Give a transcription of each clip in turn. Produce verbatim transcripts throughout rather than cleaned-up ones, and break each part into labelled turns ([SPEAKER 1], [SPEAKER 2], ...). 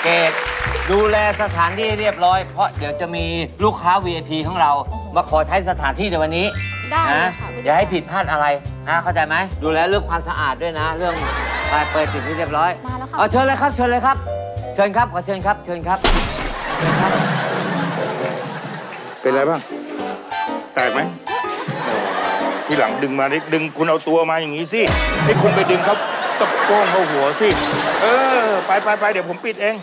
[SPEAKER 1] เกดดูแลสถานที่เรียบร้อยเพราะเดี๋ยวจะมีลูกค้า วี ไอ พี ของเรามาขอใช้สถานที่ในวันนี้
[SPEAKER 2] ได้เลย
[SPEAKER 1] นะ
[SPEAKER 2] ค่ะผู้จัดการ
[SPEAKER 1] อย่าให้ผิดพลาดอะไรนะเข้าใจไหมดูแลเรื่องความสะอาดด้วยนะ เรื่องไปเปิดติดที่เรียบร้อย
[SPEAKER 2] มาแล้วค่ะ
[SPEAKER 1] เอาเชิญเลยครับเชิญเลยครับ เชิญครับขอเชิญครับเชิญครับเชิญครับ
[SPEAKER 3] เป็นไรบ้าง แตกไหมทีหลังดึงมาดึงคุณเอาตัวมาอย่างนี้สิให้คุณไปดึงเขาตะโป้งเขาหัวสิ เออ ไปไปไปเดี๋ยวผมปิดเอง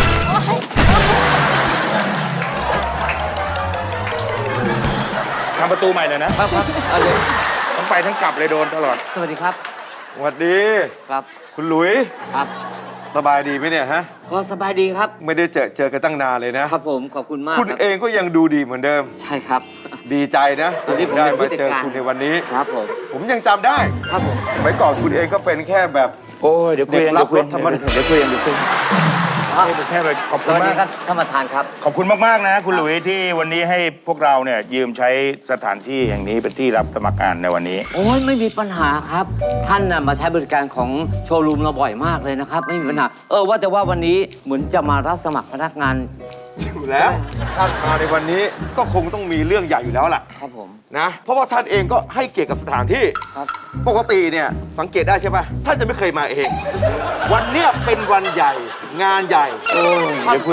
[SPEAKER 3] ทำประตูใหม่เลยนะครับ
[SPEAKER 1] ครับเอาเลย
[SPEAKER 3] ทั้งไปทั้งกลับเลยโดนตลอด
[SPEAKER 1] สวัสดีครับ
[SPEAKER 4] สวัสดี
[SPEAKER 1] ครับ
[SPEAKER 4] คุณหลุย
[SPEAKER 1] ครับ
[SPEAKER 4] สบายดีไหมเนี่ยฮะ
[SPEAKER 1] ก็สบายดีครับ
[SPEAKER 4] ไม่ได้เจอเจอกันตั้งนานเลยนะ
[SPEAKER 1] ครับผมขอบคุณมาก
[SPEAKER 4] คุณ
[SPEAKER 1] รับ
[SPEAKER 4] เองก็ยังดูดีเหมือนเดิม
[SPEAKER 1] ใช่ครับ
[SPEAKER 4] ดีใจนะ
[SPEAKER 1] ตอนนี้ผม
[SPEAKER 4] ได้
[SPEAKER 1] เป็นผู้
[SPEAKER 4] มา
[SPEAKER 1] จัด
[SPEAKER 4] เจอ
[SPEAKER 1] การ
[SPEAKER 4] คุณในวันนี้
[SPEAKER 1] ครับผม
[SPEAKER 4] ผมยังจำได้
[SPEAKER 1] ครับผม
[SPEAKER 4] สมัยก่อนคุณเองก็เป็นแค่แบบ
[SPEAKER 3] โอ้ยเดี๋ยวคุยเอง
[SPEAKER 4] เด็
[SPEAKER 3] เดี๋
[SPEAKER 4] ก
[SPEAKER 3] ยวคุย
[SPEAKER 4] รับรถธรรมดา
[SPEAKER 3] เดี๋ยวคุยเองเดี๋ยวคุยเองแค่ไปขอบ
[SPEAKER 1] ส
[SPEAKER 3] คุณ
[SPEAKER 1] วัสดี
[SPEAKER 3] มาก
[SPEAKER 1] ครับท่านประธานครับ
[SPEAKER 3] ขอบคุณมากๆนะ คุณหลุยที่วันนี้ให้พวกเราเนี่ยยืมใช้สถานที่แห่งนี้เป็นที่รับสมัครงานในวันนี้
[SPEAKER 1] โอ้ยไม่มีปัญหาครับ ท่านน่ะมาใช้บริการของโชว์รูมเราบ่อยมากเลยนะครับ ไม่มีปัญหาเออว่าแต่ว่าวันนี้เหมือนจะมารับสมัครพนักงาน
[SPEAKER 4] อยู่แล้วท่านมาในวันนี้ก็คงต้องมีเรื่องใหญ่อยู่แล้วล่ะ
[SPEAKER 1] ครับผม
[SPEAKER 4] นะ เพราะว่าท่านเองก็ให้เกียรติกับสถานที่
[SPEAKER 1] ครับ
[SPEAKER 4] ปกติเนี่ยสังเกตได้ใช่ปะท่านจะไม่เคยมาเอง วันเนี้ยเป็นวันใหญ่งานใหญ่
[SPEAKER 3] โอ้ยเดี๋ยวคุย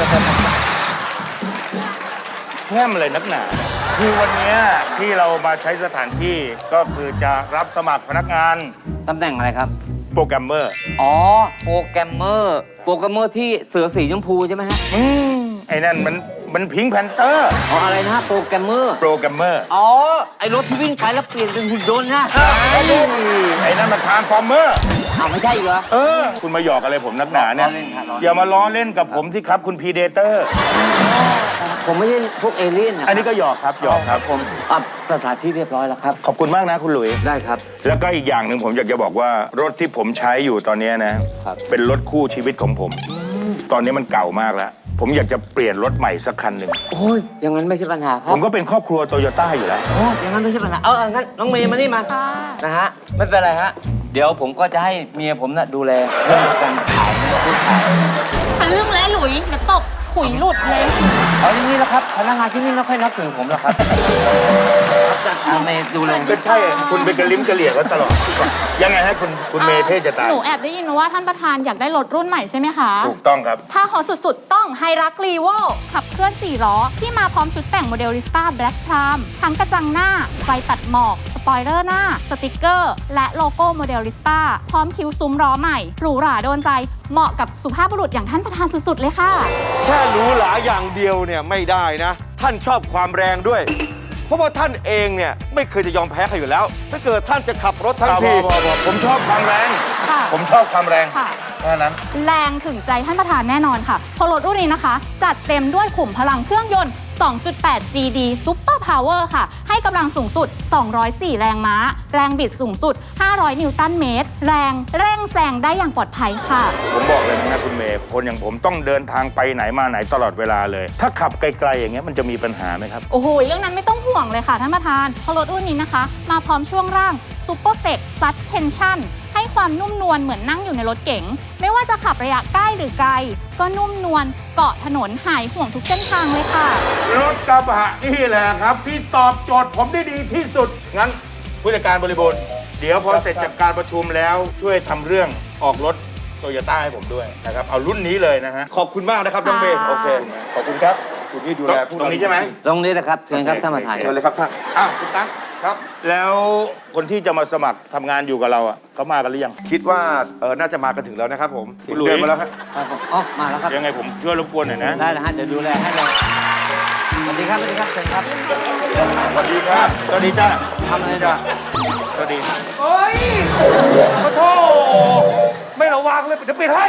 [SPEAKER 3] แค่อะไรนักหนา คือวันเนี้ยที่เรามาใช้สถานที่ก็คือจะรับสมัครพนักงาน
[SPEAKER 1] ตำแหน่งอะไรครับ
[SPEAKER 3] โปรแกรมเมอร์
[SPEAKER 1] อ๋อ โปรแกรมเมอร์ โปรแกรมเมอร์ที่เสือสีชมพูใช่ไหมฮะ
[SPEAKER 3] อืมไอ้นั่นมันมันพิงแพนเตอร์
[SPEAKER 1] อ๋ออะไรนะฮะโปรแกรมเมอร์
[SPEAKER 3] โปรแกรมเมอร์
[SPEAKER 1] อ๋อ ไอรถที่วิ่งไปแล้วเปลี่ยนเป็นหุ่นยนต์นะ
[SPEAKER 3] ไอ้นั่นมันทรานส์ฟอร์เมอร์
[SPEAKER 1] อ้าวไม่ใช่อีกเหรอ
[SPEAKER 3] เออ คุณมาหยอกอะไรผมนักหนาเนี่ย
[SPEAKER 1] ล้อเล่นครับล้อเล่น
[SPEAKER 3] อย่ามาล้อเล่นกับผมที่ครับคุณพีเดเตอร์
[SPEAKER 1] ผมไม่ใช่พวกเอเลี่ยนนะ
[SPEAKER 3] อันนี้ก็หยอกครับหยอกครับ
[SPEAKER 1] ผมอ่ะสถานที่เรียบร้อยแล้วครับ
[SPEAKER 3] ขอบคุณมากนะคุณหลุย
[SPEAKER 1] ได้ครับ
[SPEAKER 3] แล้วก็อีกอย่างหนึ่งผมอยากจะบอกว่ารถที่ผมใช้อยู่ตอนนี้นะ
[SPEAKER 1] ครับ
[SPEAKER 3] เป็นรถคู่ชีวิตของผม ตอนนี้มันเก่ามากแล้ว ผมอยากจะเปลี่ยนรถใหม่สักคันหนึ่ง
[SPEAKER 1] โอ้ยอย่างนั้นไม่ใช่ปัญหาครั
[SPEAKER 3] ผ
[SPEAKER 1] บ
[SPEAKER 3] มก็เป็นครอบครัวโตโยต้าอยู่แล้ว
[SPEAKER 1] โอ้ยอย่างนั้นไม่ใช่ปัญหา เอาเอางั้นน้องเมย์มานี่มา
[SPEAKER 2] ค่ะ
[SPEAKER 1] นะฮะ ไม่เป็นไรฮะ เดี๋ยวผมก็จะให้เมียผมน่ะดูแลเรื่องการขายเรื่องขาย
[SPEAKER 2] ทะลึ่งและหลุยเดี๋ยวตบขุยหลุดเลย
[SPEAKER 1] เอาอย่างนี้แล้วครับ พนักงานที่นี่ไม่ค่อยนับถือผมหรอกครับครับจะเอาเมย์ดูแล
[SPEAKER 3] ก็ใช่ คุณเป็นกระลิ้มกระเหลี่ยก็ตลอด ยังไงฮะคุณคุณเมย์เท่จะตาย
[SPEAKER 2] หนูแอบได้ยินมาว่าท่านประธานอยากได้รถรุ่นใหม่ใช่ไหมคะ
[SPEAKER 3] ถูกต้องครับ
[SPEAKER 2] ถ้าฮอตสุดๆ ต้องไฮรักรีโวขับเคลื่อนสี่ล้อ ที่มาพร้อมชุดแต่งโมเดลิสต้าแบล็กพรามทั้งกระจังหน้า ไฟตัดหมอก สปอยเลอร์หน้า สติกเกอร์ และโลโก้โมเดลิสต้าพร้อมคิ้วซุ้มล้อใหม่ หรูหราโดนใจ เหมาะกับสุภาพบุรุษอย่างท่านประธานสุดๆ เลยค่ะ
[SPEAKER 4] แค่หรู้หลาอย่างเดียวเนี่ยไม่ได้นะ ท่านชอบความแรงด้วย เพราะว่าท่านเองเนี่ยไม่เคยจะยอมแพ้ใครอยู่แล้ว ถ้าเกิดท่านจะขับรถทั้งที
[SPEAKER 3] พอพอพอผมชอบความแรง
[SPEAKER 2] ค่ะ
[SPEAKER 3] ผมชอบความแรง
[SPEAKER 2] ค่ะ
[SPEAKER 3] แค่นั้น
[SPEAKER 2] แรงถึงใจท่านประธานแน่นอนค่ะเพราะรถรุ่นนี้นะคะ จัดเต็มด้วยขุมพลังเครื่องยนต์ สองจุดแปด จี ดี Super Power ค่ะ ให้กำลังสูงสุด สองร้อยสี่ แรงม้า แรงบิดสูงสุด ห้าร้อย นิวตันเมตร แรงเร่งแซงได้อย่างปลอดภัยค่ะ
[SPEAKER 3] ผมบอกเลยนะคุณเมย์คนอย่างผมต้องเดินทางไปไหนมาไหนตลอดเวลาเลย ถ้าขับไกลๆอย่างเงี้ยมันจะมีปัญหาไหมครับ
[SPEAKER 2] โอ้โห เรื่องนั้นไม่ต้องห่วงเลยค่ะท่านประธานเพราะรถรุ่นนี้นะคะ มาพร้อมช่วงร่าง Super f e x Suspension ให้ความนุ่มนวลเหมือนนั่งอยู่ในรถเก๋งไม่ว่าจะขับระยะใกล้หรือไกล ก็นุ่มนวลเกาะถนนหายห่วงทุกเส้นทางเลยค่ะ
[SPEAKER 3] รถกระบะนี่แหละครับ ที่ตอบโจทย์ผมได้ดีที่สุด งั้นผู้จัดการบริบูรณ์เดี๋ยวพอเสร็จจากการประชุมแล้วช่วยทำเรื่องออกรถโตโยต้าให้ผมด้วยนะครับ เอารุ่นนี้เลยนะฮะ
[SPEAKER 4] ขอบคุณมากนะครับน้องเมย์
[SPEAKER 2] ค่ะ
[SPEAKER 4] โอเค ขอบคุณครับ คุณที่ดูแลผู้
[SPEAKER 3] ตรงนี้ใช่ไหม
[SPEAKER 1] ตรงนี้นะครับเชิญครับท่านประธาน
[SPEAKER 4] เชิญเลยครับท่าน
[SPEAKER 3] อ้าวคุณตั้ง
[SPEAKER 4] ครับ
[SPEAKER 3] แล้วคนที่จะมาสมัครทำงานอยู่กับเราอ่ะเขามากันหรือยัง
[SPEAKER 4] คิดว่าเออน่าจะมากันถึงแล้วนะครับผม
[SPEAKER 3] คุณหลุย
[SPEAKER 4] เดินมาแล้วครับ
[SPEAKER 1] ครับผมอ๋อมาแล้วครับ
[SPEAKER 3] ยังไงผมช่วยรบกวนหน่อยนะ
[SPEAKER 1] ได้นะฮะ เดี๋ยวดูแลให้เลยสวัสดีครับสวัสดีครับเชิญครับ
[SPEAKER 3] สวัสดีครับสวัสดีจ้า
[SPEAKER 1] ทำอะไรจ้ะ
[SPEAKER 3] สวัสดี
[SPEAKER 5] เฮ้ยขอโทษไม่ระวังเลยเดี๋ยวปิดให้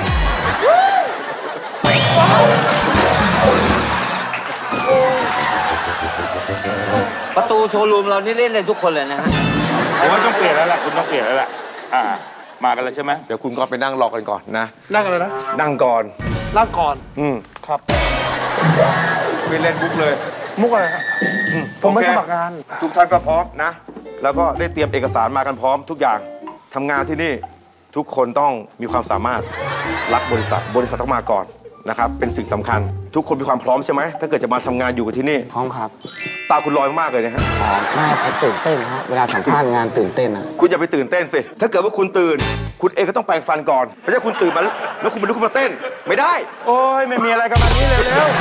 [SPEAKER 1] ประตูโชว์รูมเรานี่เล่นเลยทุกคนเลยนะฮะ
[SPEAKER 3] ผมว่าต้องเปลี่ยนแล้วล่ะคุณต้องเปลี่ยนแล้วล่ะอ่ามากันแล้วใช่ไหม
[SPEAKER 4] เดี๋ยวคุณก็ไปนั่งรอกันก่อนนะ
[SPEAKER 5] นั่งอะไรนะ
[SPEAKER 4] นั่งก่อน
[SPEAKER 5] นั่งก่อน
[SPEAKER 4] อืม
[SPEAKER 5] ครับ
[SPEAKER 4] ไปเล่นบุ๊กเลย
[SPEAKER 5] มุกอะไรครับผมไม่
[SPEAKER 4] โอเค
[SPEAKER 5] สมัครงาน
[SPEAKER 4] ทุกท่านก็พร้อมนะ แล้วก็ได้เตรียมเอกสารมากันพร้อมทุกอย่างทำงานที่นี่ทุกคนต้องมีความสามารถรักบริษัท บริษัทต้องมาก่อนนะครับเป็นสิ่งสำคัญ ทุกคนมีความพร้อมใช่ไหมถ้าเกิดจะมาทำงานอยู่กับที่นี่
[SPEAKER 6] พร้อมครับ
[SPEAKER 4] ตาคุณลอยมากเลยนะฮะ
[SPEAKER 6] อ๋อไม่ครับตื่นเต้นฮะเวลาสัมภาษณ์งานตื่นเต้นอะ
[SPEAKER 4] คุณอย่าไปตื่นเต้นสิถ้าเกิดว่าคุณตื่น คุณเองก็ต้องแปรงฟันก่อนไม่ใช่คุณตื่นมาแล้วคุณมาลุกขึ้นมาเต้นไม่ได้
[SPEAKER 3] โอ้ยไม่มีอะไรกันมานี้เร็วๆ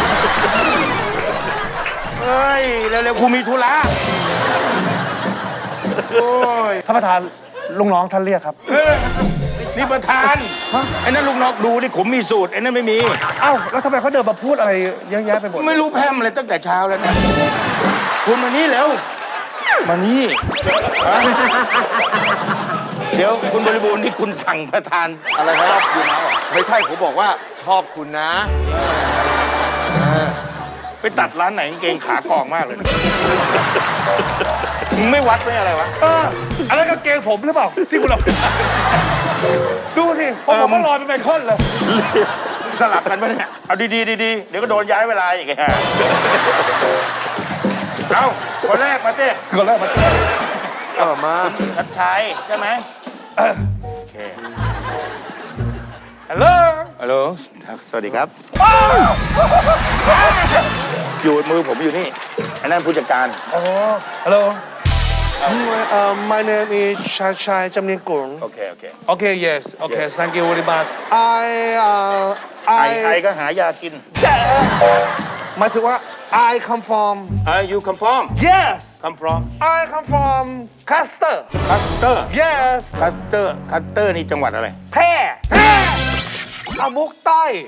[SPEAKER 3] เฮ้ยเร็วๆครูมีธุระโอ้ย
[SPEAKER 5] ท่านประธานลุงน้องท่านเรียกครับ
[SPEAKER 3] เอ้ยนี่ประธานไอ้นั่นลูกน้องดูนี่ผมมีสูตรไอ้นั่นไม่มี
[SPEAKER 5] เอ้าแล้วทำไมเขาเดินมาพูดอะไรเยอะแยะไปหมด
[SPEAKER 3] ไม่รู้แพร่มอะไรตั้งแต่เช้าแล้วนะคุณมานี่เร็วมานี่ฮะเดี๋ยวคุณบริบูรณ์นี่คุณสั่งประธานอะไรครับอยู่นะ
[SPEAKER 4] ไม่ใช่ผมบอกว่าชอบคุณนะ
[SPEAKER 3] ไปตัดร้านไหนกางเกงขากองมากเลยมึงไม่วัดไม่อะไรวะ
[SPEAKER 5] เอออะไรกางเกงผมหรือเปล่าที่คุณเอาดูสิผม
[SPEAKER 3] เออ
[SPEAKER 5] ผมก็ลอยเป็นไมเคิลเลย
[SPEAKER 3] สลับกันปะเนี่ยเอาดีๆดีๆเดี๋ยวก็โดนย้ายเวลาอีกไงเอาคนแรกมาเต้
[SPEAKER 5] ก็แรกมาเต้น
[SPEAKER 4] เออมา
[SPEAKER 3] ชัดชัยใช่ไหมโอเค
[SPEAKER 5] ฮัลโหล
[SPEAKER 3] ฮัลโหลสวัสดีครับ อยู่มือผมอยู่นี่อันนั้นผู้จัดการ
[SPEAKER 5] อ๋อฮัลโหลเอ่อ my name is ชาชัยจำเนียงกุล
[SPEAKER 3] โอเค โอเค
[SPEAKER 5] Okay, yes. Okay,
[SPEAKER 3] Yes.
[SPEAKER 5] thank you very much. I, uh,
[SPEAKER 3] ไอ
[SPEAKER 5] I,
[SPEAKER 3] ไอก็หายากิน
[SPEAKER 5] หมายถึงว่า I come from,
[SPEAKER 3] ไอ you come from
[SPEAKER 5] yes,
[SPEAKER 3] come from
[SPEAKER 5] I come from Custer.
[SPEAKER 3] คัสเตอร์
[SPEAKER 5] Yes.
[SPEAKER 3] คัสเตอร์คัสเตอร์นี่จังหวัดอะไร
[SPEAKER 5] แพร่แพร่อามุกใต้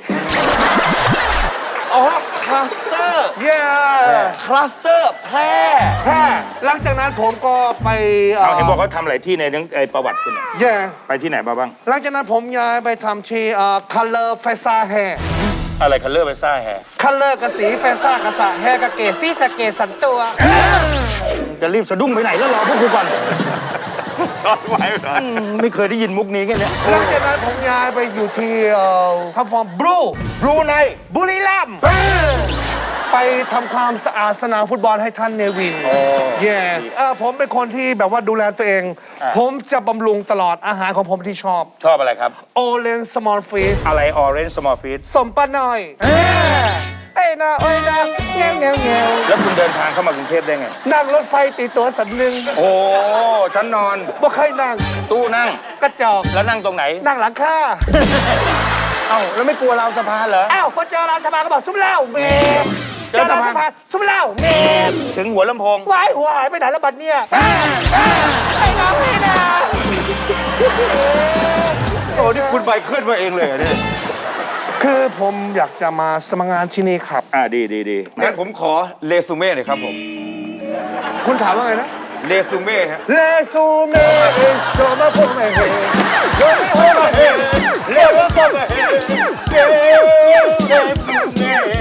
[SPEAKER 4] อ๋อคลัสเตอร์
[SPEAKER 5] yeah
[SPEAKER 4] คลัสเตอร์แพร่
[SPEAKER 5] แพร่หลังจากนั้นผมก็ไป
[SPEAKER 3] เขาเห็นบอกเขาทำหลายที่ในทั้งไอประวัติคุณน่ะ
[SPEAKER 5] yeah
[SPEAKER 3] ไปที่ไหนมาบ้าง
[SPEAKER 5] หลังจากนั้นผมย้ายไปทำที่เอ่อ color ไฟซ่าแฮร์
[SPEAKER 3] อะไรคัลเลอร์ไปซ่าแฮร์
[SPEAKER 5] color กับสีไฟซ่ากับสะแฮร์กับเกศสีสะเกศสันตัว
[SPEAKER 3] จะรีบสะดุ้งไปไหนแล้วรอพวกคุณก่อน
[SPEAKER 4] ชอบไว้หน่อย
[SPEAKER 3] อืมไม่เคยได้ยินมุกนี้แค่เนี้ย
[SPEAKER 5] หลังจากนั้นผมย้ายไปอยู่ที่เอ่อทำฟอร์มบลู
[SPEAKER 3] บรูไน
[SPEAKER 5] บุรีรัมย์ไปทำความสะอาดสนามฟุตบอลให้ท่านเนวินเย่เออผมเป็นคนที่แบบว่าดูแลตัวเอง ผมจะบำรุงตลอดอาหารของผมที่ชอบ
[SPEAKER 3] ชอบอะไรครับ
[SPEAKER 5] โอเลนสมอลฟีส
[SPEAKER 3] อะไรออเรนจ์สมอลฟีด
[SPEAKER 5] สมปะหน่อยเอ้ยนะเอ้ยนะเงี้ยวเงี้ยวเงี้ยว
[SPEAKER 3] แล้วคุณเดินทางเข้ามากรุงเทพได้ไง
[SPEAKER 5] นั่งรถไฟตีตัวสันหนึ่ง
[SPEAKER 3] โอ้ฉันนอน
[SPEAKER 5] บ่เคยนั่ง
[SPEAKER 3] ตู้นั่ง
[SPEAKER 5] กระจอก
[SPEAKER 3] แล้วนั่งตรงไหน
[SPEAKER 5] นั่งหลังค่า
[SPEAKER 3] เอ้าแล้วไม่กลัวราวสะพานเหรอ
[SPEAKER 5] อ้าวพอเจอราวสะพานก็บอกซุ้มเหล้าเมม
[SPEAKER 3] เจ
[SPEAKER 5] เจ
[SPEAKER 3] อ
[SPEAKER 5] อราว
[SPEAKER 3] สะ
[SPEAKER 5] สะ
[SPEAKER 3] พา
[SPEAKER 5] พาน นซุ้มเหล้าเมม
[SPEAKER 3] ถึงหัวลำโพง
[SPEAKER 5] วายหัวหายไปไหนแล้วบัดเนี่ยไอ้น้องพี่นะ
[SPEAKER 4] โอ้นี่คุณไปขึ้นมาเองเลยเหรอเนี่ย
[SPEAKER 5] คือผมอยากจะมาสมัครงานที่นี่ครับ
[SPEAKER 3] อ่าดีดีดี
[SPEAKER 4] งั้นผมขอเรซูเม่หน่อยครับผม
[SPEAKER 5] คุณถามว่าไงนะ
[SPEAKER 4] เรซูเม่ฮะ
[SPEAKER 5] เลซูเม่เอโซมาพวกแม่เฮโยไม่โฮมาเฮเลวก็มาเฮเกเรซูเม่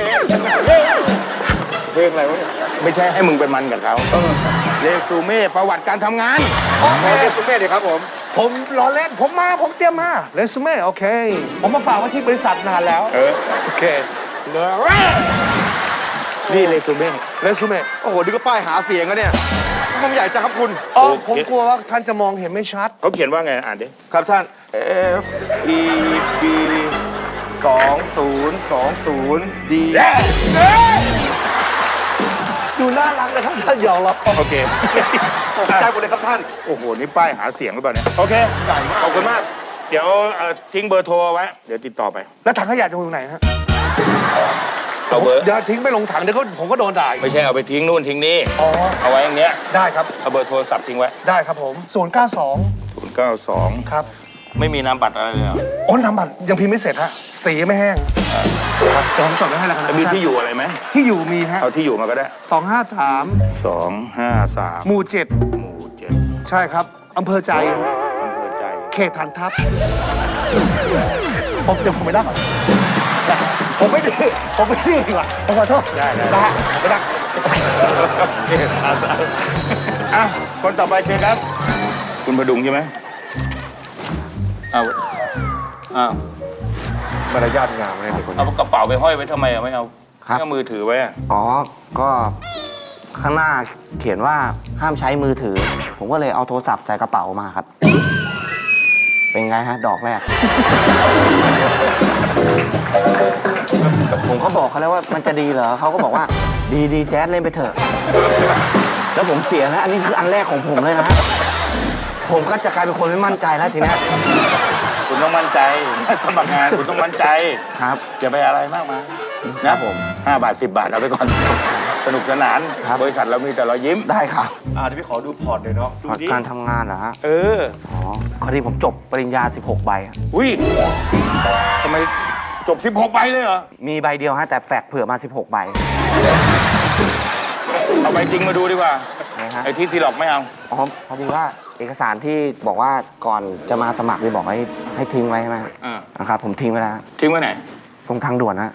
[SPEAKER 3] เพลงอะไรวะเนี่ยไม่ใช่ให้มึงไปมันกับเขาเรซูเม่ประวัติการทำงาน
[SPEAKER 4] ขอเรซูเม่หน่อยครับผม
[SPEAKER 5] ผมรอเล่นผมมาผมเตรียมมาเรซูเม่โอเค ผมมาฝากไว้ที่บริษัทนานแล้ว
[SPEAKER 3] เออ
[SPEAKER 5] โอเคเลย
[SPEAKER 3] นี่เรซูเม่
[SPEAKER 5] เรซูเม่
[SPEAKER 4] โอ้โห นี่ก็ป้ายหาเสียงอะเนี่ยมันใหญ่จังครับคุณ
[SPEAKER 5] อ๋อผมกลัวว่าท่านจะมองเห็นไม่ชัด
[SPEAKER 3] เขาเขียนว่าไงอ่านดิ
[SPEAKER 4] ครับท่าน F E B สองศูนย์สองศูนย์ D
[SPEAKER 5] ดูน่ารักนะครับท่านหยอกเรา
[SPEAKER 3] โอเค
[SPEAKER 4] ตกใจหมดเลยครับท่าน
[SPEAKER 3] โอ้โห นี่ป้ายหาเสียงหรือเปล่าเนี่ย โอเค
[SPEAKER 4] ใหญ่มาก
[SPEAKER 3] ขอบคุณมาก เดี๋ยวเอ่อทิ้งเบอร์โทรเอาไว้ เดี๋ยวติดต่อไป
[SPEAKER 5] แล้วถังขยะอยู่ตรงไหนฮะ
[SPEAKER 3] เอาเบอร์
[SPEAKER 5] เดี๋ยวทิ้งไม่ลงถังเดี๋ยวก็ผมก็โดนด่าอีก
[SPEAKER 3] ไม่ใช่เอาไปทิ้งนู่นทิ้งนี่
[SPEAKER 5] อ๋อ
[SPEAKER 3] เอาไว้อย่างเนี้ย
[SPEAKER 5] ได้ครับ
[SPEAKER 3] เอาเบอร์โทรศัพท์ทิ้งไว้
[SPEAKER 5] ได้ครับผมศูนย์เก้าสอง
[SPEAKER 3] ศูนย์เก้าสอง
[SPEAKER 5] ครับ
[SPEAKER 3] ไม่มีนามบัตรอะไรเลยเหรอ
[SPEAKER 5] โอ้นำบัตรยังพิมพ์ไม่เสร็จฮะสียังไม่แห้งครับเดี๋ยวผมจดไว้ให้แล้วกันนะ
[SPEAKER 3] จะมีที่อยู่อะไรไหม
[SPEAKER 5] ที่อยู่มีฮะ
[SPEAKER 3] เอาที่อยู่มาก็ได้
[SPEAKER 5] สองห้าสาม
[SPEAKER 3] สองห้าสาม
[SPEAKER 5] หมู่เจ็ด
[SPEAKER 3] หมู่เจ็ด
[SPEAKER 5] ใช่ครับอำเภอใจ
[SPEAKER 3] อำเภอใจ
[SPEAKER 5] เขตฐานทัพผมเดี๋ยวผมไม่ได้ก่อนผมไม่ดื้อผมไม่ดื้อดีกว่าผมขอโทษ
[SPEAKER 3] ได้ได้
[SPEAKER 5] นะฮะไม่ได้
[SPEAKER 3] อ่ะคนต่อไปเชิญครับ คุณพดุงใช่ไหมเอาอ้าว
[SPEAKER 4] มารยาทงามเลยเด็กคน
[SPEAKER 3] เอา
[SPEAKER 4] นี้
[SPEAKER 3] กระเป๋าไปห้อยไว้ทำไมอ่ะไม่เอา
[SPEAKER 6] ครับ
[SPEAKER 3] ไม่เอามือถือไว้อ่ะ
[SPEAKER 6] อ๋อ ก็ข้างหน้าเขียนว่าห้ามใช้มือถือ ผมก็เลยเอาโทรศัพท์ใส่กระเป๋ามาครับ เป็นไงฮะ ดอกแรก
[SPEAKER 3] ก
[SPEAKER 6] ผมก็บอกเขาแล้วว่ามันจะดีเหรอเขาก็บอกว่าดีดีแจ๊สเล่นไปเถอะ แล้วผมเสียนะอันนี้คืออันแรกของผมเลยนะ ผมก็จะกลายเป็นคนไม่มั่นใจแล้วทีเนี้ย
[SPEAKER 3] คุณต้องมั่นใจสมัครงานคุณต้องมั่นใจ
[SPEAKER 6] ครับ
[SPEAKER 3] อย่าไปอะไรมากมาย
[SPEAKER 6] ค
[SPEAKER 3] นะ
[SPEAKER 6] รับผม
[SPEAKER 3] ห้าบาทสิบบาทเอาไปก่อน สนุกสนาน
[SPEAKER 6] ครับ
[SPEAKER 3] บริษัทเรามีแต่รอยยิ้ม
[SPEAKER 6] ได้ครับ
[SPEAKER 4] อ่าเดี๋ยวพี่ขอดูพอร์ตหน่อยเนาะ
[SPEAKER 6] พอร์ตการทำงานเหรอฮะ
[SPEAKER 3] เออ
[SPEAKER 6] อ๋อพอดีผมจบปริญญา สิบหก ใบอะ
[SPEAKER 3] อุ้ยทำไมจบสิบหกใบเลยเหรอ
[SPEAKER 6] มีใบเดียวฮะแต่แฟกเผื่อมา สิบหก ใบ
[SPEAKER 3] เอาใบจริงมาดูดีกว่า
[SPEAKER 6] นะฮะ
[SPEAKER 3] ไอ้ที่ที่หลอกไม่เอา
[SPEAKER 6] อ๋อพอดีว่าเอกสารที่บอกว่าก่อนจะมาสมัครที่บอกให้ให้ทิ้งไว้ใช่ไหม
[SPEAKER 3] อ่า
[SPEAKER 6] นะครับผมทิ้งไว้แล้ว
[SPEAKER 3] ทิ้งไว้ไหน
[SPEAKER 6] ตรงทางด่วนนะ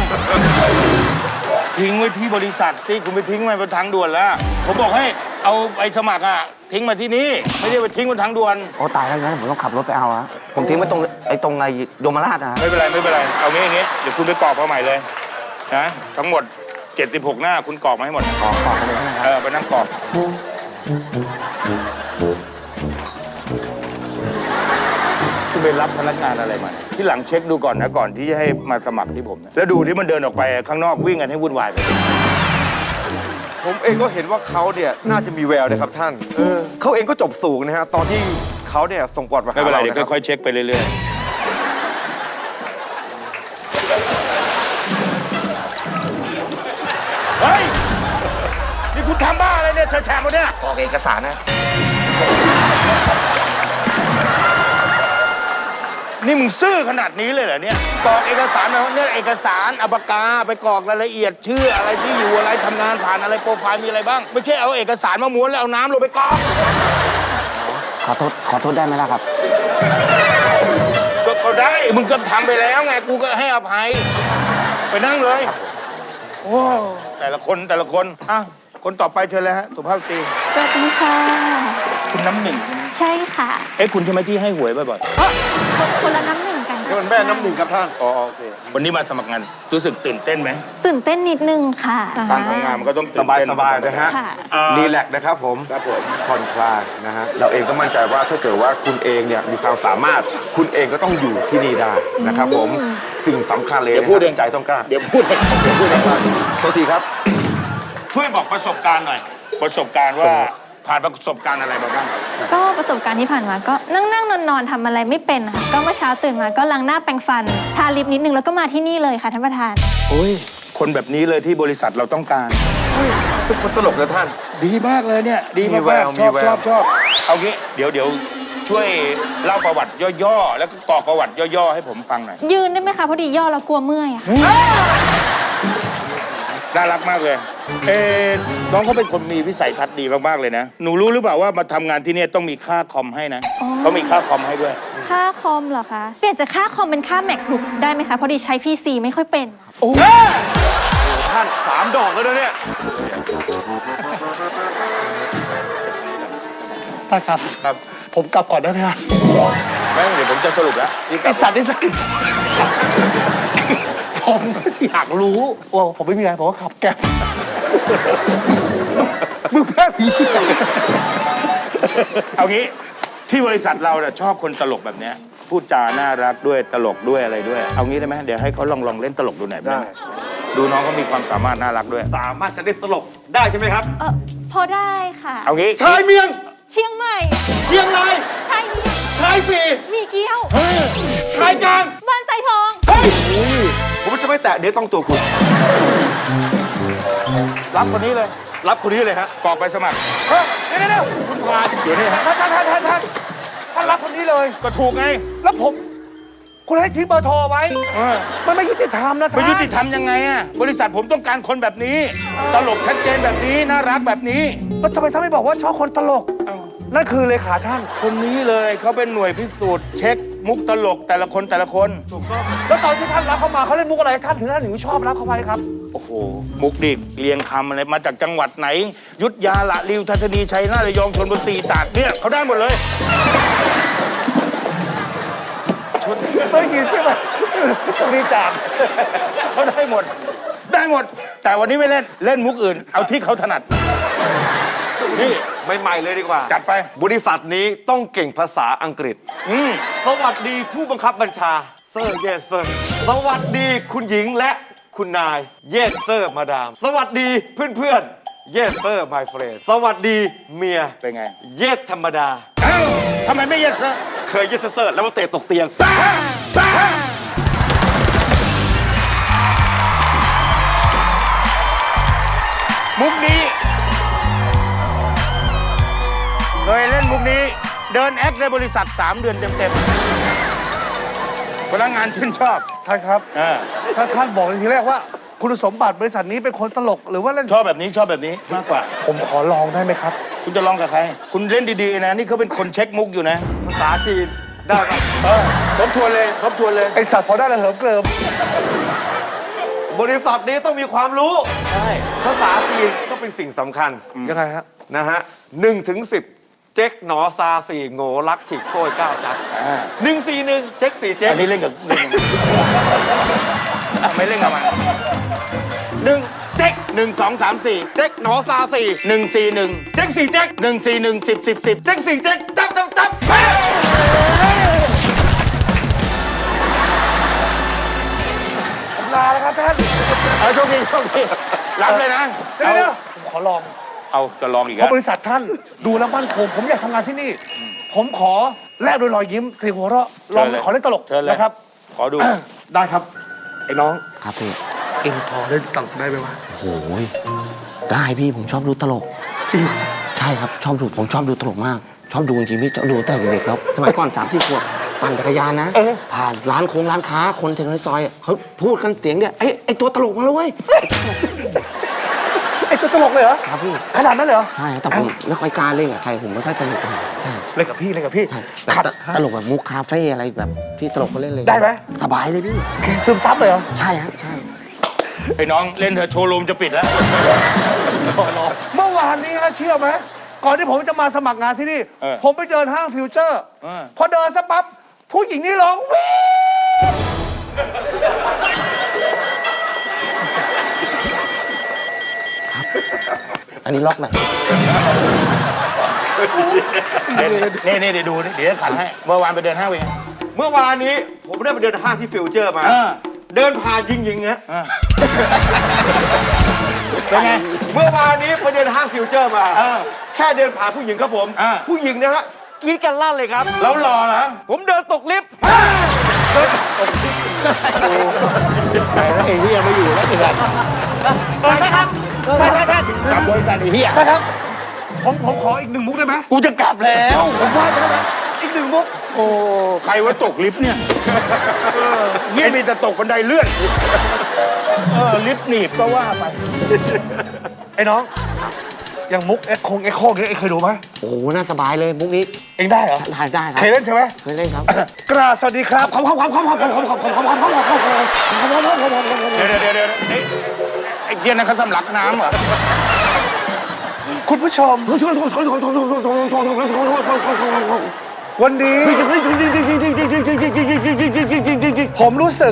[SPEAKER 3] ทิ้งไว้ที่บริษัทสิคุณไปทิ้งไว้บนทางด่วนแล้ว ผมบอกให้เอาใบสมัครอ่ะทิ้งมาที่นี่ไม่ได้ไปทิ้งบนทางด่วน
[SPEAKER 6] โอ้ตายแล้วงั้นผมต้องขับรถไปเอาอะผมทิ้งไว้ตรงไอ้ตรงไอ้ยมราชอะฮะ
[SPEAKER 3] ไม่เป็นไรไม่เป็นไรเอางี้อย่างงี้เดี๋ยวคุณไปกรอกมาใหม่เลยนะทั้งหมดเจ็ดสิบหกหน้าคุณกรอกมาให้หมด
[SPEAKER 6] ขอขอบคุณเลยนะค
[SPEAKER 3] เอ
[SPEAKER 6] รับ
[SPEAKER 3] อไปนั่งกรอกคุณไปรับพนักงานอะไรมาเนี่ยที่หลังเช็คดูก่อนนะก่อนที่จะให้มาสมัครที่ผมนะแล้วดูที่มันเดินออกไปข้างนอกวิ่งกันให้วุ่นวายไป
[SPEAKER 4] ผมเองก็เห็นว่าเขาเนี่ยน่าจะมีแววนะครับท่านเขาเองก็จบสูงนะฮะตอนที่เขาเนี่ยส่งปอดมา
[SPEAKER 3] ไม่
[SPEAKER 4] หา
[SPEAKER 3] เป็นไร
[SPEAKER 4] เรา
[SPEAKER 3] เดี๋ยว
[SPEAKER 4] นะครับ
[SPEAKER 3] ค่อยๆเช็คไปเรื่อยๆ เฮ้ย นี่คุณทำบ้าอะไรเนี่ยแฉะๆหมดเนี่ย
[SPEAKER 6] กรอกเอกสารนะ
[SPEAKER 3] นี่มึงซื่อขนาดนี้เลยเหรอเนี่ยกรอกเอกสารมาเนี่ยเอกสารอัปากาไปกรอกรายละเอียดชื่ออะไรที่อยู่อะไรทำงานผ่านอะไรโปรไฟล์มีอะไรบ้าง ไม่ใช่เอาเอกสารมาม้วนแล้วเอาน้ำลงไปกรอก
[SPEAKER 6] ขอโทษขอโทษได้ไหมล่ะครับ
[SPEAKER 3] ก็ก็ได้ มึงก็ทำไปแล้วไง กูก็ให้อภัย ไปนั่งเลย โอ้แต่ละคนแต่ละคน อ่ะ คนต่อไปเชิญเลยฮะสุภาพสตรี
[SPEAKER 2] สวัสดีค่ะ
[SPEAKER 3] คุณน้ำหนึ่ง
[SPEAKER 2] ใช่ค่ะ
[SPEAKER 3] เอ๊ะ คุณใช่ไหมที่ให้หวยบ่อย
[SPEAKER 2] คนละน้ำหนึ่งกัน
[SPEAKER 4] นี่มันแม่น้ำหนึ่งครับท่าน
[SPEAKER 3] ๆอ๋อโอเค วันนี้มาสมัครงาน รู้สึกตื่นเต้นไหม
[SPEAKER 2] ตื่นเต้นนิดนึงค่ะ
[SPEAKER 3] การทำงานมันก็ต้อง
[SPEAKER 4] ส
[SPEAKER 3] ตื่น
[SPEAKER 4] บาย
[SPEAKER 3] เต้น
[SPEAKER 4] สบายๆนะฮะ
[SPEAKER 2] ค่ะ
[SPEAKER 3] อ่า
[SPEAKER 4] รีแลกซ์นะครับผม
[SPEAKER 3] ครับผม
[SPEAKER 4] ผ่อนคลายนะฮะเราเองก็มั่นใจว่าถ้าเกิดว่าคุณเองเนี่ยมีความสามารถคุณเองก็ต้องอยู่ที่นี่ได้นะครับผมสิ่งสำคัญเลย
[SPEAKER 3] เดี๋ยว
[SPEAKER 4] นะ
[SPEAKER 3] พูด
[SPEAKER 4] ค
[SPEAKER 3] เอ
[SPEAKER 4] รับ
[SPEAKER 3] ง
[SPEAKER 4] ใจต้องกล้า
[SPEAKER 3] เดี๋ยวพูดเองเดี๋ยวพูดเอง
[SPEAKER 4] โทษทีครับ
[SPEAKER 3] ช่วยบอกประสบการณ์หน่อย ประสบการณ์ว่าผ่านประสบการณ์อะไรมาบ้างครับ
[SPEAKER 7] ก็ประสบการณ์ที่ผ่านมาก็นั่งนั่งนอนนอนๆทำอะไรไม่เป็นค่ะก็เมื่อเช้าตื่นมาก็ล้างหน้าแปรงฟัน ทาลิปนิดนึงแล้วก็มาที่นี่เลยค่ะท่านประธาน
[SPEAKER 3] โอ้ย คนแบบนี้เลยที่บริษัทเราต้องการ
[SPEAKER 4] เป็นคนตลกนะท่าน
[SPEAKER 3] ดีมากเลยเนี่ย ดี
[SPEAKER 4] มี
[SPEAKER 3] มาก
[SPEAKER 4] แว
[SPEAKER 3] มาก
[SPEAKER 4] ว
[SPEAKER 3] ชอบ
[SPEAKER 4] มีแวว
[SPEAKER 3] ชอบชอบเอางี้เดี๋ยวเดี๋ยวช่วยเล่าประวัติย่อๆ แล้วก็กรอกประวัติย่อๆ ให้ผมฟังหน่อย
[SPEAKER 7] ยืนได้ไหมคะพอดีย่อแล้วกลัวเมื่อยอะค่ะ
[SPEAKER 3] น่ารักมากเลย เอ๊ะน้องเขาเป็นคนมีวิสัยทัศน์ดีมากๆเลยนะ หนูรู้หรือเปล่าว่ามาทำงานที่เนี่ยต้องมีค่าคอมให้นะเขามีค่าคอมให้ด้วย
[SPEAKER 7] ค่าคอมเหรอคะเปลี่ยนจากค่าคอมเป็นค่า MacBook ได้ไหมคะพอดีใช้ พี ซี ไม่ค่อยเป็น
[SPEAKER 4] ท่านสามดอกแล้วนะเนี่ย
[SPEAKER 5] ท่านครับ
[SPEAKER 3] ครับ
[SPEAKER 5] ผมกลับก่อนได้ไหมครับ
[SPEAKER 3] ไม่เดี๋ยวผมจะสรุปแล้วนี่ก
[SPEAKER 5] ไอ
[SPEAKER 3] ลับ
[SPEAKER 5] สัตว์นี่สกิดผมอยากรู้ว่าผมไม่มีอะไรผมก็ขับแก๊บมึงแพ้ผี
[SPEAKER 3] เอางี้ที่บริษัทเราเนี่ยชอบคนตลกแบบเนี้ยพูดจาน่ารักด้วยตลกด้วยอะไรด้วย เอางี้ได้ไหมเดี๋ยวให้เขาลองลองเล่นตลกดูหน่อย
[SPEAKER 4] ได้
[SPEAKER 3] ดูน้องเขามีความสามารถน่ารักด้วย
[SPEAKER 4] สามารถจะเล่นตลกได้ใช่ไหมครับ
[SPEAKER 7] เออพอได้ค่ะ
[SPEAKER 3] เอางี้
[SPEAKER 4] ชายเมียง
[SPEAKER 7] เชียงใหม่
[SPEAKER 4] เชียงราย
[SPEAKER 7] ชายเมียง
[SPEAKER 4] ชายสี่
[SPEAKER 7] มีเกี้ยว
[SPEAKER 4] ชายกลาง
[SPEAKER 7] บ้านไซทอง
[SPEAKER 4] เฮ้ยผมจะไม่แตะเดี๋ยวต้องตัวคุณ
[SPEAKER 3] รับคนนี้เลย
[SPEAKER 4] รับคนนี้เลยฮะ
[SPEAKER 3] กรอกไปสมัคร
[SPEAKER 5] เฮ้ยเดี๋ยวเดี๋ยว
[SPEAKER 3] คุณผ่านอยู่นี่ฮะ
[SPEAKER 5] ท่านท่านท่านท่านท่านท่านรับคนนี้เลย
[SPEAKER 3] ก็ถูกไง
[SPEAKER 5] แล้วผม คุณให้ทิ้งเบอร์โทรไว้
[SPEAKER 3] เออ
[SPEAKER 5] มันไม่ยุติธรรมนะท่าน
[SPEAKER 3] ไม่ยุติธรรมยังไงอะบริษัทผมต้องการคนแบบนี้ ตลกชัดเจนแบบนี้น่ารักแบบนี้
[SPEAKER 5] แล้วทำไมท่านไม่บอกว่าชอบคนตลก นั่นคือเลขาท่าน
[SPEAKER 3] คนนี้เลยเขาเป็นหน่วยพิสูจน์เช็คมุกตลกแต่ละคนแต่ละคน
[SPEAKER 5] แล้วตอนที่ท่านรับเข้ามาเขาเล่นมุกอะไรท่านถึงท่านถึงชอบรับเข้าไปครับ
[SPEAKER 3] โอ้โห มุกดิกเรียงคำอะไรมาจากจังหวัดไหน ยุทธยาละริวทัศนีชัยนาทระยองชลบุรีตราดเนี่ยเขาได้หมดเลย
[SPEAKER 5] ไม่ยินใช่ไหมต้องดีจาก
[SPEAKER 3] เขาได้หมด ได้หมด แต่วันนี้ไม่เล่นเล่นมุกอื่น เอาที่เขาถนัด นี่
[SPEAKER 4] ใหม่ๆเลยดีกว่า
[SPEAKER 3] จัดไป
[SPEAKER 4] บริษัทนี้ต้องเก่งภาษาอังกฤษ
[SPEAKER 3] อืม
[SPEAKER 4] สวัสดีผู้บังคับบัญชาเซอร์เยสเซอร์สวัสดีคุณหญิงและคุณนายเยสเซอร์มาดาม สวัสดีเพื่อนๆเยสเซอร์ my friend สวัสดีเมีย
[SPEAKER 3] เป็นไง
[SPEAKER 4] เยสธรรมดา
[SPEAKER 3] เอ้าทำไมไม่เย็ดซะ
[SPEAKER 4] เคยเยสเซอร์แล้วมาเตะตกเตียง
[SPEAKER 3] มุกนี้เคยเล่นมุกนี้ เดินแอคในบริษัท สาม เดือนเต็มๆพนักงานชื่นชอบ
[SPEAKER 5] ท่านครับ
[SPEAKER 3] เออ
[SPEAKER 5] ถ้าท่านบอกในทีแรกว่า คุณสมบัติบริษัทนี้เป็นคนตลกหรือว่าเล่น
[SPEAKER 3] ชอบแบบนี้ชอบแบบนี้มากกว่า
[SPEAKER 5] ผมขอลองได้ไหมครับ
[SPEAKER 3] คุณจะลองกับใคร คุณเล่นดีๆนะ นี่เขาเป็นคนเช็คมุกอยู่นะ
[SPEAKER 4] ภาษาจีนได้ปะ
[SPEAKER 3] เออทบทวนเลยทบทวนเลย
[SPEAKER 5] ไอสัตว์พอได้แล้วเหิมเกลิม
[SPEAKER 4] บริษัทนี้ต้องมีความรู้
[SPEAKER 3] ใช่
[SPEAKER 4] ภาษาจีนก็เป็นสิ่งสำคัญ
[SPEAKER 5] ยังไงฮะ
[SPEAKER 4] นะฮะหนึ่งถึงสิบเจ๊กหนอซาสี่โง่รักฉิกโก้ยเก้าจักหนึ่งสี่หนึ่งเจ๊กสี่เจ๊ก
[SPEAKER 3] อันนี้เล่นกับเล่นกับอ่ะไม่เล่นกับมันหนึ่งเจ๊กหนึ่งสองสามสี่
[SPEAKER 4] เจ๊กหนอซาสี่
[SPEAKER 3] หนึ่งสี่หนึ่ง
[SPEAKER 4] เจ๊กสี่เจ๊ก
[SPEAKER 3] หนึ่งสี่หนึ่งสิบสิบสิบ
[SPEAKER 4] เจ๊กสี่เจ๊กจับจับจับ
[SPEAKER 5] ลาแล้วครับท่าน
[SPEAKER 3] เอาโชคดีโชคดีรับเลยนะ
[SPEAKER 5] เดี๋ยวเดี๋ยวผมขอลอง
[SPEAKER 3] เอาจะลองอีก
[SPEAKER 5] เพ
[SPEAKER 3] แล้ว
[SPEAKER 5] ราะบริษัทท่านดูแล้วมั่นคงผมอยากทำงานที่นี่ ผมขอแลกด้วยรอยยิ้มเสียงหัวเราะลองขอเล่นตลก
[SPEAKER 3] เชิญเลย
[SPEAKER 5] นะครับ
[SPEAKER 3] ขอดู
[SPEAKER 5] ได้ครับ ไอ้น้อง
[SPEAKER 6] ครับพี่
[SPEAKER 5] เอ็งพอเล่นตลกได้ไหมวะ
[SPEAKER 6] โอ้ยได้พี่ผมชอบดูตลก
[SPEAKER 5] จริงเหรอ
[SPEAKER 6] ใช่ครับชอบดูผมชอบดูตลกมาก ชอบดูจริงๆพี่ชอบดูตั้งแต่เด็กๆแล้วสมัยก่อนสามสี่ขวบปั่นจักรยานนะผ่านร้านโค้งร้านค้าคนแถวในซอยอะเขาพูดกันเสียงเดียวไอ้ไอ้ตัวตลกมาแล้วเว้ย
[SPEAKER 5] ไอ้ตัวตลกเลยเหรอ
[SPEAKER 6] ครับพี่
[SPEAKER 5] ขนาดนั้นเลยเหรอ
[SPEAKER 6] ใช่แต่ผมไม่ค่อยกล้าเล่นกับใครผมไม่ค่อยสนุกกับใครใช่
[SPEAKER 5] เล่นกับพี่เล่นกับพี่
[SPEAKER 6] ใช่แบบ
[SPEAKER 5] ขัด
[SPEAKER 6] ตตลกแบบมุกคาเฟ่อะไรแบบที่ตลกเขาเล่นเลย
[SPEAKER 5] ได้ไหม
[SPEAKER 6] สบายเลยพี่
[SPEAKER 5] ซึมซับเลยเหรอ
[SPEAKER 6] ใช่ฮะใช่
[SPEAKER 3] ไอ้น้องเล่นเถอะโชว์รูมจะปิดแล้ว
[SPEAKER 5] เมื่อวานนี้ฮะเชื่อไหมก่อนที่ผมจะมาสมัครงานที่นี่
[SPEAKER 3] เออ
[SPEAKER 5] ผมไปเดินห้างฟิวเจอร์
[SPEAKER 3] เออ
[SPEAKER 5] พอเดินสักปั๊บผู้หญิงนี่ร้องวิ่ง
[SPEAKER 6] อันนี้ล็อกไหน
[SPEAKER 3] นี่นี่เดี๋ยวดูนี่เดี๋ยวขันให้ เมื่อวานไปเดินห้างเป็นไง
[SPEAKER 4] เมื่อวานนี้ผมได้ไปเดินห้างที่ฟิวเจอร์มา
[SPEAKER 3] เออ
[SPEAKER 4] เดินผ่านยิงยิงๆฮะ
[SPEAKER 3] เป็นไง
[SPEAKER 4] เมื่อวานนี้ไปเดินห้างฟิวเจอร์มา
[SPEAKER 3] เออ
[SPEAKER 4] แค่เดินผ่านผู้หญิงครับผม
[SPEAKER 3] อ่า
[SPEAKER 4] ผู้หญิงนะฮะกรีดกันลั่นเลยครับ
[SPEAKER 3] แล้วรอเหรอ
[SPEAKER 4] ผมเดินตกลิฟต์
[SPEAKER 3] ไอ้เฮียไม่อยู่แล้วอีกแล้ว
[SPEAKER 5] ใช่ครับใช่ครับ
[SPEAKER 3] กลับบริษัทไอ้เฮีย
[SPEAKER 5] ใช่ครับ ผมผมขออีกหนึ่งมุกได้ไหม
[SPEAKER 3] กูจะกลับแล้ว
[SPEAKER 5] ผมว่าได้ไหมอีกหนึ่งมุก
[SPEAKER 3] โอ้ ใครว่าตกลิฟต์เนี่ยเยี่ยมีแต่ตกบันไดเลื่อน เออ ลิฟต์หนีบก็ว่าไป
[SPEAKER 5] ไอ้น้อง อย่างมุกเอ็กคงเอ็กโคเงี้ยเอ็งเคยดูไหม
[SPEAKER 6] โอ้โหน่าสบายเลยมุกนี้
[SPEAKER 5] เอ็งได้เหรอ
[SPEAKER 6] ได้ได้ครั
[SPEAKER 5] เค
[SPEAKER 6] บ
[SPEAKER 5] ยเล่นใช่ไหม
[SPEAKER 6] เคยเล่นครับ
[SPEAKER 5] กราบสวัสดีครับขอบคุณครับขอบคุณครับขอบคุณครับขอบคุณครับขอบคุณครับขอบคุณครับขอบคุณครับขอบคุณครับขอบคุณครับขอบคุณครับ
[SPEAKER 3] เดี๋ยวเดี๋ยวเดี๋ยวไอ้ไอ้เกียร์นั่นเขาสำลักน้ำเหรอ
[SPEAKER 5] คุณผู้ชมวันนี้ผมรู้สึก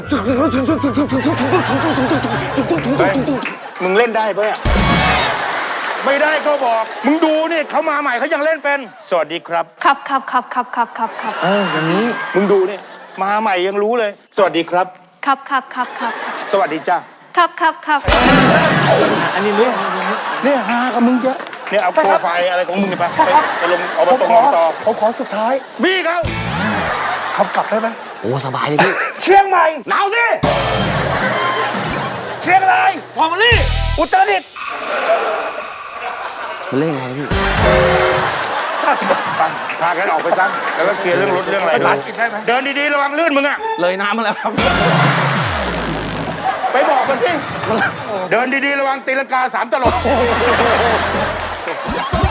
[SPEAKER 3] มึงเล่นได้ปะเนี่ยไม่ได้ก็บอก มึงดูนี่เขามาใหม่เขายังเล่นเป็น สวัสดีครับ
[SPEAKER 7] ครับครับครับครับครับครับครับ
[SPEAKER 3] เอออย่างนี้ มึงดูนี่มาใหม่ยังรู้เลย สวัสดีครับ
[SPEAKER 7] ครับครับครับครับครับ
[SPEAKER 3] สวัสดีจ้า
[SPEAKER 7] ครับครับครับ
[SPEAKER 3] อันนี้เรื่องเนี่ยฮากับมึงเยอะเนี่ยเอาโปรไฟล์อะไรของมึงไปไปไปลงเอา
[SPEAKER 5] ผ
[SPEAKER 3] ไป
[SPEAKER 5] ม
[SPEAKER 3] ตรง
[SPEAKER 5] ขอ
[SPEAKER 3] ต่อ
[SPEAKER 5] ผมขอสุดท้าย
[SPEAKER 3] บี้เขา
[SPEAKER 5] คำกลับได้ไหม
[SPEAKER 6] โอ้สบายเลยพี่
[SPEAKER 5] เชียงใหม่
[SPEAKER 3] หนาวสิ
[SPEAKER 5] เชียงรายฟอร์มาลี่อุตรดิตถ์
[SPEAKER 6] มันเล่นไงพี่
[SPEAKER 3] ไปพากันออกไปซะแล้วก็เคลียร์เรื่องรถเรื่องอะไร
[SPEAKER 5] ภาษาอังกฤษได้ไหม
[SPEAKER 3] เดินดีๆระวังลื่นมึงอะ
[SPEAKER 6] เลยน้ำมาแล้วครับ
[SPEAKER 3] ไปบอกมันสิเดินดีๆระวังตีลังกาสามตลบ